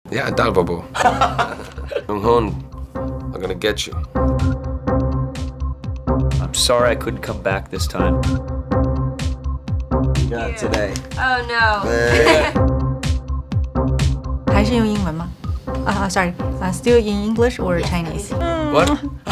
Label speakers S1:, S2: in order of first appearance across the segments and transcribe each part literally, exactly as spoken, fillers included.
S1: Yeah, Dalbabo. Jung-hoon, I'm gonna get you.
S2: I'm sorry I couldn't come back this time.
S3: You got it today.
S4: Oh no.
S5: 还是用英文吗？啊、uh, sorry, uh, still in English or Chinese?
S1: What?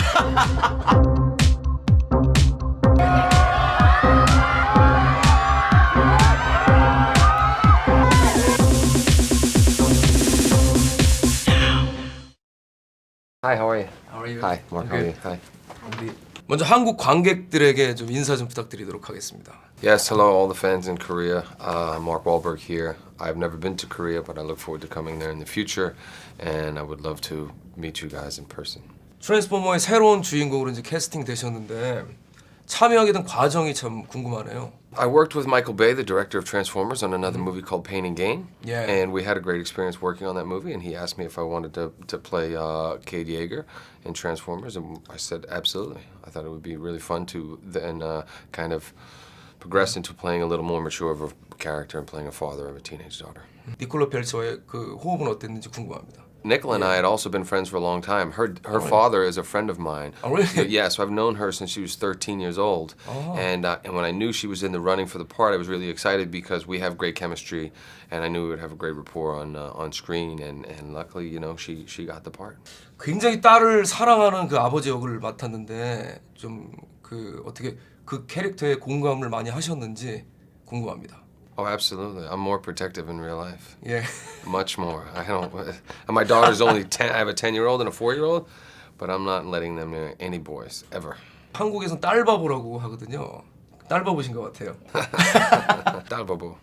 S1: Hi, how are you?
S6: How are you?
S1: Hi, Mark. How are you? Hi.
S6: 우리 먼저 한국 관객들에게 좀 인사 좀 부탁드리도록 하겠습니다.
S1: Yes, hello, all the fans in Korea. Uh, Mark Wahlberg here. I've never been to Korea, but I look forward to coming there in the future, and I would love to meet you guys in person.
S6: 트랜스포머의 새로운 주인공으로 이제 캐스팅 되셨는데 참여하게 된 과정이 참 궁금하네요.
S1: I worked with Michael Bay, the director of Transformers, on another movie called Pain and Gain.
S6: Yeah.
S1: And we had a great experience working on that movie, and he asked me if I wanted to, to play uh, Cade Yeager in Transformers, and I said absolutely. I thought it would be really fun to then uh, kind of progress into playing a little more mature of a character and playing a father of a teenage daughter.
S6: 니콜라 펠처의 그 호흡은 어땠는지 궁금합니다.
S1: Nicola and I had also been friends for a long time. Her her father is a friend of mine.
S6: Oh, really?
S1: Yeah, so I've known her since she was thirteen years old.
S6: Oh.
S1: And uh, and when I knew she was in the running for the part, I was really excited because we have great chemistry, and I knew we would have a great rapport on uh, on screen. And, and luckily, you know, she she got the part.
S6: 굉장히 딸을 사랑하는 그 아버지 역을 맡았는데 좀 그 어떻게 그 캐릭터에 공감을 많이 하셨는지 궁금합니다.
S1: Oh, absolutely. I'm more protective in real life.
S6: 예.
S1: Much more. I don't. And my daughter's only ten. I have a ten-year-old and a four-year-old, but I'm not letting them near any boys ever.
S6: 한국에선 딸바보라고 하거든요. 딸바보신 것 같아요.
S1: Dalbabo.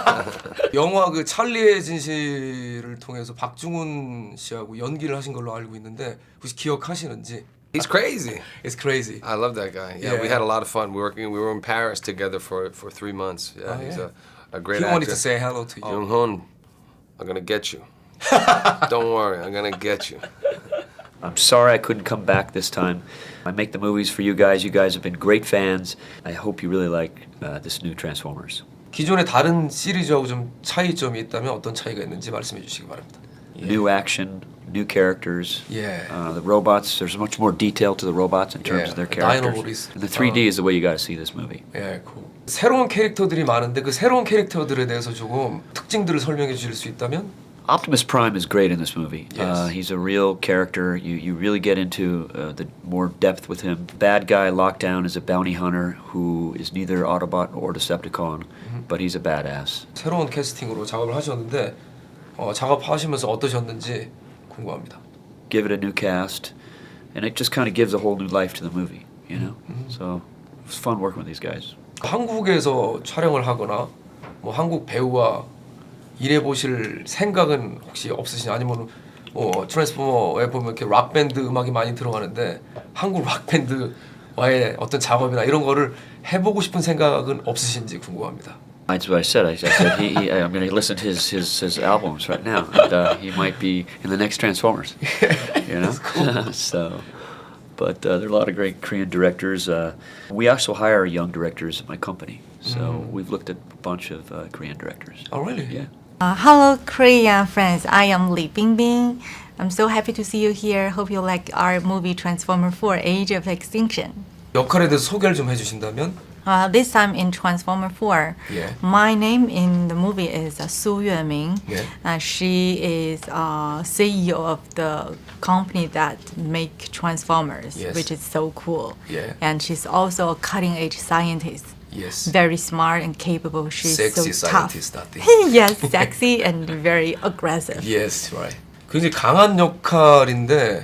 S6: 영화 그 찰리의 진실을 통해서 박중훈 씨하고 연기를 하신 걸로 알고 있는데 혹시 기억하시는지?
S1: He's crazy.
S6: It's crazy.
S1: I love that guy. Yeah,
S6: Yeah.
S1: we had a lot of fun working. We were in Paris together for for three months. Yeah,
S6: Oh,
S1: he's
S6: yeah.
S1: a, a great
S6: He
S1: actor.
S6: wanted to say hello to you.
S1: Jung Hoon, I'm gonna get you. Don't worry, I'm gonna get you.
S2: I'm sorry I couldn't come back this time. I make the movies for you guys. You guys have been great fans. I hope you really like uh, this new Transformers.
S6: 기존의 다른 시리즈하고 좀 차이점이 있다면 어떤 차이가 있는지 말씀해 주시기 바랍니다.
S2: New action, new characters.
S6: Yeah.
S2: Uh, the robots, there's much more detail to the robots in terms
S6: Yeah,
S2: of their
S6: the
S2: characters.
S6: Dinobots.
S2: And the three D is the way you got to see this movie.
S6: 예, 그 새로운 캐릭터들이 많은데 그 새로운 캐릭터들에 대해서 조금 특징들을 설명해 주실 수 있다면?
S2: Optimus Prime is great in this movie.
S6: Yes.
S2: Uh, he's a real character. You you really get into uh, the more depth with him. Bad guy Lockdown is a bounty hunter who is neither Autobot or Decepticon,
S6: Mm-hmm.
S2: but he's a badass.
S6: 새로운 캐스팅으로 작업을 하셨는데 어, 작업하시면서 어떠셨는지 궁금합니다.
S2: Give it a new cast, and it just kind of gives a whole new life to the movie, you know? So it was fun working with these guys.
S6: 한국에서 촬영을 하거나 뭐 한국 배우와 일해 보실 생각은 혹시 없으시냐? 아니면 뭐 트랜스포머에 보면 이렇게 락 밴드 음악이 많이 들어가는데 한국 락 밴드와의 어떤 작업이나 이런 거를 해보고 싶은 생각은 없으신지 궁금합니다.
S2: That's what I said. I, I said he, he, I'm going to listen to his, his, his albums right now, and uh, he might be in the next Transformers. You know, cool. So, but uh, there are a lot of great Korean directors. Uh, we also hire young directors at my company, so
S6: Mm.
S2: we've looked at a bunch of uh, Korean directors.
S6: Oh, really?
S2: Yeah.
S5: Uh, hello, Korean friends. I am Lee Bingbing. I'm so happy to see you here. Hope you like our movie Transformer four: Age of Extinction.
S6: 역할에 대해서 소개를 좀 해주신다면?
S5: Uh, this time in Transformer four,
S6: Yeah.
S5: my name in the movie is uh, Su Yueming.
S6: Yeah.
S5: Uh, she is uh, C E O of the company that make Transformers,
S6: Yes.
S5: which is so cool.
S6: Yeah.
S5: And she's also a cutting-edge scientist.
S6: Yes.
S5: Very smart and capable. She's
S6: Sexy
S5: so tough.
S6: scientist, I think.
S5: Yes, sexy and very aggressive.
S6: Yes, right. 굉장히 강한 역할인데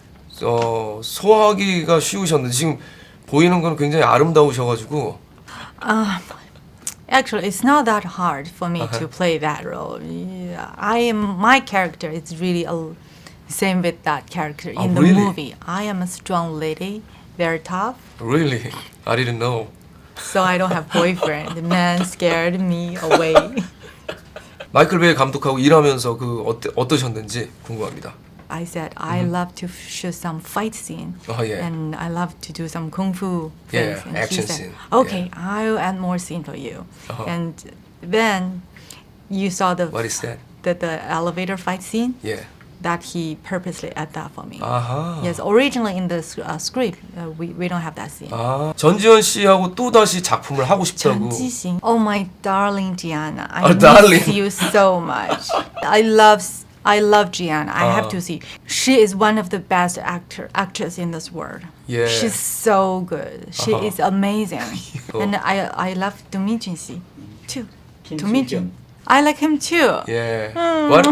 S6: 어, 소화하기가 쉬우셨는데 지금 보이는 건 굉장히 아름다우셔가지고
S5: Actually, it's not that hard for me
S6: Uh-huh.
S5: to play that role. Yeah, I am my character is really a, same with that character
S6: Oh,
S5: in the
S6: really?
S5: movie. I am a strong lady, very tough.
S6: Really? I didn't know.
S5: So I don't have boyfriend. The man scared me away.
S6: 마이클 베이 감독하고 일하면서 그 어때, 어떠셨는지 궁금합니다.
S5: I said I love to shoot some fight scene,
S6: Oh, yeah.
S5: and I love to do some kung fu
S6: Yeah,
S5: things. And
S6: action
S5: he said,
S6: scene.
S5: Okay, I'll add more scene for you.
S6: Uh-huh.
S5: And then you saw the
S6: What is that?
S5: the, the elevator fight scene,
S6: 예.
S5: that he purposely added that for me.
S6: 아하.
S5: Yes, originally in the s- uh, script, uh, we, we don't have that scene.
S6: 아, 전지현 씨하고 또 다시 작품을 하고 싶다고.
S5: 전지신. Oh my darling Gianna, I
S6: Oh,
S5: miss
S6: darling.
S5: you so much. I love s- I love Gianna. I have
S6: 아.
S5: to see. She is one of the best actor actors in this world.
S6: 예.
S5: She's so good. She
S6: Uh-huh.
S5: is amazing.
S6: Oh.
S5: And I I love Dominjin Si too.
S2: Kim
S5: Dominjin. I like him too.
S6: 예.
S5: Hmm.
S6: What?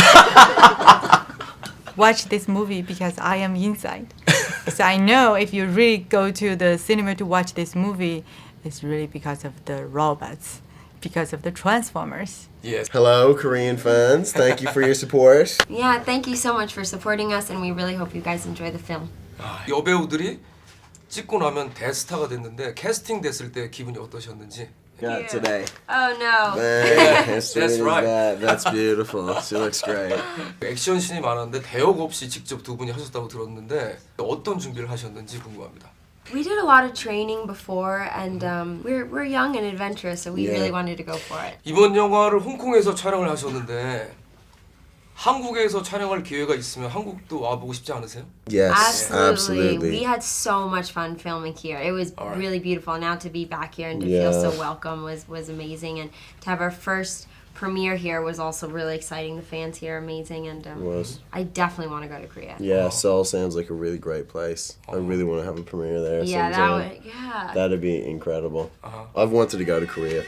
S5: Watch this movie because I am inside. So I know if you really go to the cinema to watch this movie, it's really because of the robots, because of the Transformers.
S6: Yes.
S3: Hello, Korean fans. Thank you for your support.
S4: Yeah, thank you so much for supporting us, and we really hope you guys enjoy the film.
S6: 여배우들이 찍고 나면 대스타가 됐는데 캐스팅 됐을 때 기분이 어떠셨는지.
S3: Got today.
S4: Oh no.
S3: Man, as sweet
S6: That's
S3: as
S6: right.
S3: that. That's beautiful. She looks great.
S6: 액션씬이 많았는데 대역 없이 직접 두 분이 하셨다고 들었는데 어떤 준비를 하셨는지 궁금합니다.
S4: We did a lot of training before, and um, we're we're young and adventurous, so we
S3: Yeah.
S4: really wanted to go for it.
S6: 이번 영화를 홍콩에서 촬영을 하셨는데 한국에서 촬영할 기회가 있으면 한국도 와보고 싶지 않으세요?
S3: Yes,
S4: Absolutely.
S3: absolutely.
S4: We had so much fun filming here. It was
S6: All right.
S4: really beautiful. Now to be back here and to
S3: Yeah.
S4: feel so welcome was was amazing, and to have our first premiere here was also really exciting. The fans here are amazing, and um,
S3: Was.
S4: I definitely want to go to Korea.
S3: Yeah, Seoul sounds like a really great place. I really want to have a premiere there
S4: Yeah, that
S3: sometime.
S4: would yeah.
S3: That'd be incredible.
S6: Uh-huh.
S3: I've wanted to go to Korea.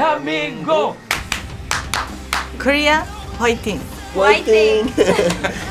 S6: 대한민국
S5: Korea, fighting.
S4: White thing.